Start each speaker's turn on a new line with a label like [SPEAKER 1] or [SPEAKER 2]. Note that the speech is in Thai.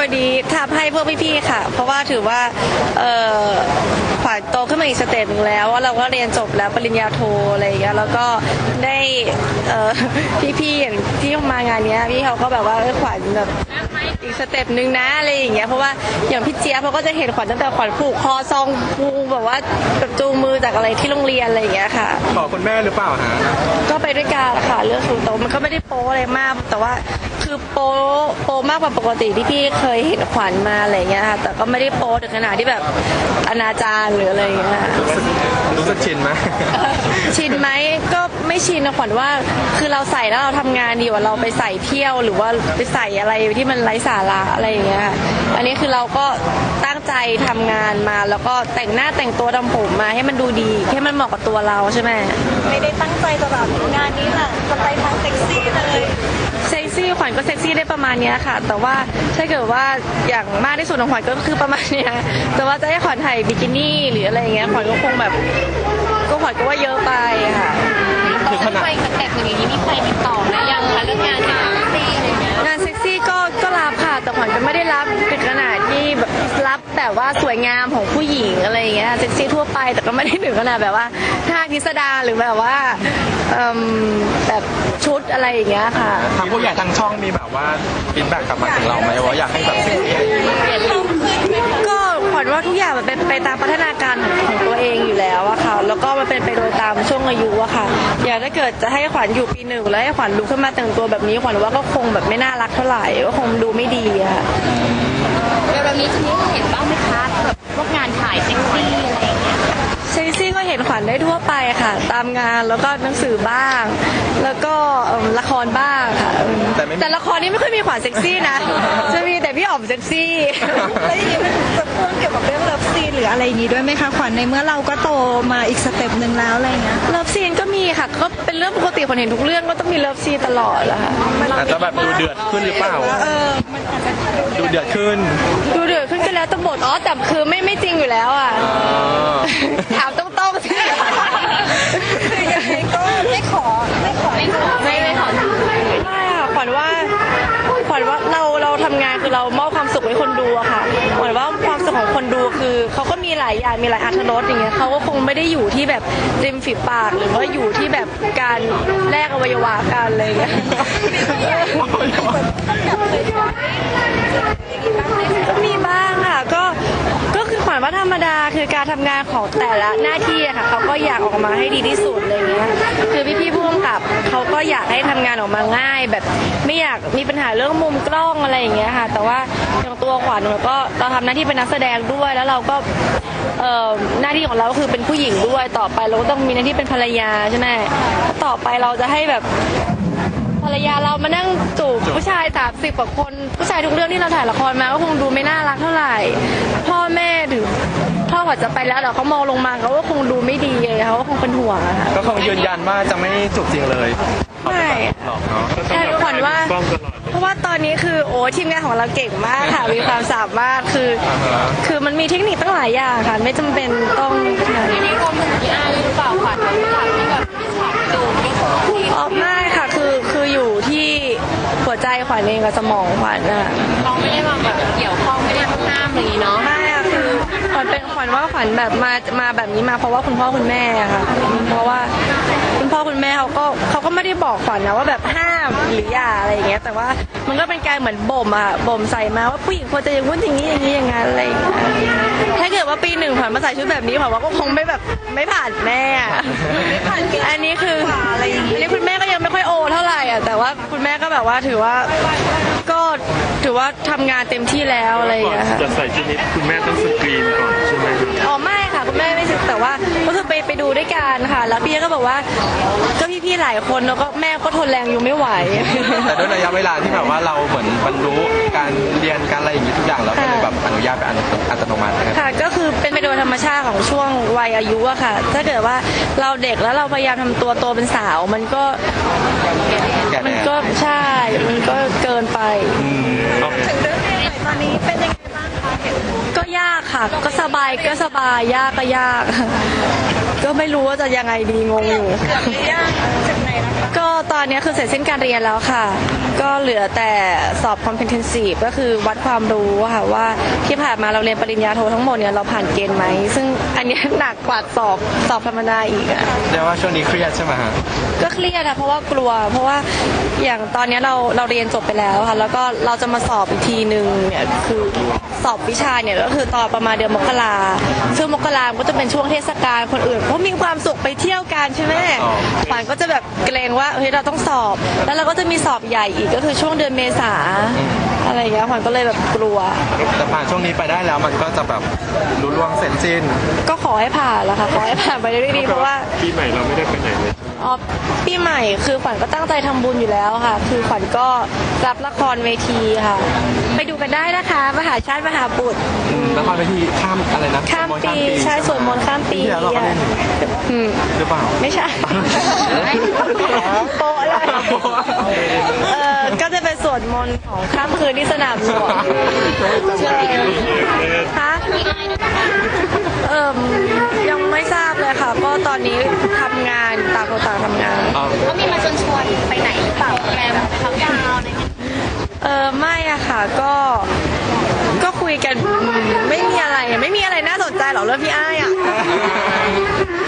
[SPEAKER 1] วันนี้ทำให้พวกพี่ๆค่ะเพราะว่าถือว่าขวัญโตขึ้นมาอีกสเต็ปหนึ่งแล้วว่าเราก็เรียนจบแล้วปริญญาโทอะไรอย่างเงี้ยแล้วก็ได้พี่ๆอย่างที่มางานเนี้ยพี่เขาก็แบบว่าขวัญแบบอีกสเต็ปหนึ่งนะอะไรอย่างเงี้ยเพราะว่าอย่างพี่เจี๊ยบเขาก็จะเห็นขวัญตั้งแต่ขวัญผูกคอซองผูแบบว่าแบบจูงมือจากอะไรที่โรงเรียนอะไรอย่างเงี้ยค่ะ
[SPEAKER 2] ขอคุณแม่หรือเปล่าฮะ
[SPEAKER 1] ก็ไปด้วยกันค่ะเรื่องสูงโตมันก็ไม่ได้โป๊อะไรมากแต่ว่าคือโป๊มากกว่าปกติที่พี่เคยเห็นขวัญมาอะไรเงี้ยค่ะแต่ก็ไม่ได้โป๊ถึงขนาดที่แบบอนาจารหรืออะไรอย่างเงี้ย
[SPEAKER 2] รู้สึกชินไหม
[SPEAKER 1] ชินไหมก็ไม่ชินนะขวัญว่าคือเราใส่แล้วเราทำงานดีกว่าเราไปใส่เที่ยวหรือว่าไปใส่อะไรที่มันไร้สาระอะไรอย่างเงี้ยอันนี้คือเราก็ตั้งใจทำงานมาแล้วก็แต่งหน้าแต่งตัวทำผมมาให้มันดูดีให้มันเหมาะกับตัวเราใช่ไหม
[SPEAKER 3] ไม่ได้ตั้งใจจะแบบงานนี้ค่ะจะไปทางเซ็กซี่เลย
[SPEAKER 1] เซ็กซี่ขวัญก็เซ็กซี่ได้ประมาณนี้ค่ะแต่ว่าถ้าเกิดว่าอย่างมากที่สุดของขวัญก็คือประมาณนี้แต่ว่าจะให้ขวัญถ่ายบิกินี่หรืออะไรอย่างเงี้ยขวัญก็คงแบบก็ขวัญก็ว่าเยอะไปค่ะ
[SPEAKER 3] คือขนาดไปสเต็ปอย่างนี้มีใครติดต่อนะยังคะเรื่องงานเซ็กซี่อะไรเงี้ย
[SPEAKER 1] งานเซ็กซี่ก็รับค่ะแต่ขวัญก็ไม่ได้รับถึงขนาดที่แบบรับแบบว่าสวยงามของผู้หญิงอะไรอย่างเงี้ยเซ็กซี่ทั่วไปแต่ก็ไม่ได้ถึงขนาดแบบว่าท่าพิสดารหรือแบบว่าแบบชุดอะไรอย่างเงี้ยค่ะ
[SPEAKER 2] ทางผู้ใหญ่ทางช่องมีแบบว่าฟีดแบ็กกลับมาถึงเราไหมว่าอยากให้แบบเซ็กซี่
[SPEAKER 1] ก็ขวัญว่าทุกอย่างมันเป็นไปตามพัฒนาการของตัวเองอยู่แล้วอะค่ะแล้วก็มันเป็นไปโดยตามช่วงอายุอะค่ะอย่างถ้าเกิดจะให้ขวัญอยู่ปี 1แล้วให้ขวัญลุกขึ้นมาแต่งตัวแบบนี้ขวัญว่าก็คงแบบไม่น่ารักเท่าไหร่ก็คงดูไม่ดีอะ
[SPEAKER 3] แบบนี้จะมีเห็นบ้างไหมคะแบบพวกงานถ่ายเซ็กซี่อะไรอย่างเงี้ย
[SPEAKER 1] เซ็กซี่ก็เห็นขวัญได้ทั่วไปค่ะตามงานแล้วก็หนังสือบ้างแล้วก็ละครบ้างค่ะแต่ละครนี้ไม่ค่อยมีขวัญเซ็กซี่นะจะมีแต่พี่อ๋อมเซ็กซี่
[SPEAKER 3] แล้วอย่างนี้มันจะพ่วงเกี่ยวกับเรื่องเลิฟซีนหรืออะไรอย่างนี้ด้วยไหมคะขวัญในเมื่อเราก็โตมาอีกสเต็ปหนึ่งแล้วอะไรเงี้ย
[SPEAKER 1] เลิฟซีนก็มีค่ะก็เป็นเรื่องปกติคนเห็นทุกเรื่องก็ต้องมีเลิฟซีนตลอดแหละค่ะ
[SPEAKER 2] อาจจะแบบดูเดือดขึ้นหรือเปล่าดูเดือดขึ้น
[SPEAKER 1] ก็แล้วแต่บทแต่คือไม่จริงอยู่แล้วอ่ะถามต้องสิ
[SPEAKER 3] คือยังไงก็ไม่ขอไม่ค่ะ
[SPEAKER 1] ขวัญว่าเราทำงานคือเรามอบความสุขให้คนดูอะค่ะขวัญว่าความสุขของคนดูคือเขาก็มีหลายอย่างมีหลายอรรถรสอย่างเงี้ยเขาก็คงไม่ได้อยู่ที่แบบริมฝีปากหรือว่าอยู่ที่แบบการแลกอวัยวะกันอะไรอย่างเงี้ยมีบ้างค่ะก็คือขวัญว่าธรรมดาคือการทำงานของแต่ละหน้าที่อะค่ะเขาก็อยากออกมาให้ดีที่สุดอะไรเงี้ยคือพี่ผู้กำกับเขาก็อยากให้ทำงานออกมาง่ายแบบไม่อยากมีปัญหาเรื่องมุมกล้องอะไรอย่างเงี้ยค่ะแต่ว่าอย่างตัวขวัญเราทำหน้าที่เป็นนักแสดงด้วยแล้วเราก็หน้าที่ของเราก็คือเป็นผู้หญิงด้วยต่อไปเราก็ต้องมีหน้าที่เป็นภรรยาใช่ไหมต่อไปเราจะให้แบบภรรยาเรามานั่งจูบผู้ชาย30 กว่าคนผู้ชายทุกเรื่องที่เราถ่ายละครมาก็คงดูไม่น่ารักเท่าไหร่พ่อแม่ถึงพ่อขวัญจะไปแล้วแต่เขามองลงมาเขาก็คงดูไม่ดีเลยเขาก็คงเป็นห่วงอะค่ะ
[SPEAKER 2] ก็คงยืนยันว่าจะไม่จูบจริงเลย
[SPEAKER 1] ไม่
[SPEAKER 2] หรอกเนาะ
[SPEAKER 1] ใช่ขวัญว่าเพราะว่าตอนนี้คือทีมงานของเราเก่งมากค่ะมีความสามารถคือมันมีเทคนิคตั้งหลายอย่างค่ะไม่จำเป็นต้อง
[SPEAKER 3] อันนี้รวมถึงพี่อาร์หรือเปล่าขวัญฉากที่แบบฉากจูบ
[SPEAKER 1] ไม่ค่ะคืออยู่ที่หัวใจขวัญเองกับสมองขวัญน่ะ
[SPEAKER 3] เราไม่ได้มาแบบเกี่ยวข้องไม่ได้มาห้ามอะไรอย่างนี้เนาะ
[SPEAKER 1] ไม่ค่ะคือขวัญว่าขวัญแบบมาแบบนี้มาเพราะว่าคุณพ่อคุณแม่ค่ะเพราะว่าคุณพ่อคุณแม่เขาก็ไม่ได้บอกขวัญนะว่าแบบห้ามหรืออย่าอะไรอย่างเงี้ยแต่ว่ามันก็เป็นการเหมือนบ่มใส่มาว่าผู้หญิงควรจะอย่างนู้นอย่างนี้อย่างนั้นอะไรอย่างเงี้ยถ้าเกิดว่าปี 1ขวัญมาใส่ชุดแบบนี้ขวัญว่าก็คงไม่ผ่านแม่อันนี้คืออันนี้คุณแม่ก็ยังไม่ค่อยโอเท่าไหร่อ่ะแต่ว่าคุณแม่ก็แบบว่าถือว่าทำงานเต็มที่แล้วอะไรอย่างเงี้ย
[SPEAKER 4] จะใส่ชุดนี้คุณแม่ต้องสกรีนก่อนใช่ไหม
[SPEAKER 1] ไม่ค่ะคุณแม่ไม่สึกแต่ว่าก็คือไปดูด้วยกันค่ะแล้วพี่ก็บอกว่าก็พี่ๆหลายคนแล้วก็แม่ก็ทนแรงอยู่ไม่ไหว
[SPEAKER 2] แต่ด้วยระยะเวลาที่แบบว่าเราเหมือนบรรลุการเรียนการอะไรอย่างนี้ทุกอย่างแล้วก็เลยแบบอนุญาตเป็นอัตโนมัติ
[SPEAKER 1] ค่ะก็คือเป็นไปโดยธรรมชาติของช่วงวัยอายุอะค่ะถ้าเกิดว่าเราเด็กแล้วเราพยายามทำตัวโตเป็นสาวมันก็ใช่มันก็เกินไป
[SPEAKER 3] ถึงเรื่องใหม่ตอนนี้เป็นยังไงบ้างคะ
[SPEAKER 1] ก็ยากค่ะค่ะ ก็สบายก็สบายยากก็ยาก ก็ไม่รู้ว่าจะยังไงดีงงอยู่ ก็ตอนนี้คือเสร็จสิ้นการเรียนแล้วค่ะ ก็เหลือแต่สอบ competency ก็คือวัดความรู้ค่ะว่าที่ผ่านมาเราเรียนปริญญาโททั้งหมดเนี่ยเราผ่านเกณฑ์ไหม ซึ่งอันเนี้ยหนักกว่าสอบธรรมดาอีกอะ
[SPEAKER 2] เรียกว่าช่วงนี้เครียดใช่ไหมฮะ
[SPEAKER 1] ก็เครียดอะเพราะว่ากลัว เพราะว่าอย่างตอนเนี้ยเราเรียนจบไปแล้วค่ะ แล้วก็เราจะมาสอบอีกทีหนึ่งเนี่ยคือสอบวิชาเนี่ยก็คือตอนประมาณเดือนมกราซึ่งมกราก็จะเป็นช่วงเทศกาลคนอื่นเขามีความสุขไปเที่ยวกันใช่ไหม
[SPEAKER 2] อ๋อ
[SPEAKER 1] ขวัญก็จะแบบเกรงว่าเฮ้ยเราต้องสอบ แล้วเราก็จะมีสอบใหญ่อีกก็คือช่วงเดือนเมษาอะไรอย่างเงี้ยขวัญก็เลยแบบกลัว
[SPEAKER 2] แต่ผ่านช่วงนี้ไปได้แล้วมันก็จะแบบรู้ล่วงเสร็จสิ้น
[SPEAKER 1] ก็ขอให้ผ่านแล้วค่ะขอให้ผ่านไปได้ด้วยดีเพราะว่า
[SPEAKER 4] ปีใหม่เราไม่ได้ไปไหนเลย
[SPEAKER 1] อ๋อปีใหม่คือขวัญก็ตั้งใจทำบุญอยู่แล้วค่ะ คือขวัญก็รับละครเวทีค่ะ ไปดูกันได้นะคะมหาชาติมหาบุตร
[SPEAKER 2] แล้วพอไปที่ข้ามอะไรนะ
[SPEAKER 1] ข้ามปีใช่สวดมนต์ข้ามปี
[SPEAKER 2] ที่แล้วเราก็เล่น
[SPEAKER 1] อืม
[SPEAKER 2] หรือเปล่า
[SPEAKER 1] ไม่ใช่ โปะเลยก็จะเป็นสวดมนต์ของข้ามคืนที่สนามหลวงใช่คะยังไม่ทราบเลยค่ะ ก็ตอนนี้ทำงานต่างคนต่างทำงาน
[SPEAKER 5] เขามีมาชวนไปไหนหรือเปล่าแกมเขาดาวน์อะไรเงี้ย
[SPEAKER 1] ไม่อะค่ะก็คุยกันไม่มีอะไรน่าสนใจหรอกเรื่องพี่อ้ายอะ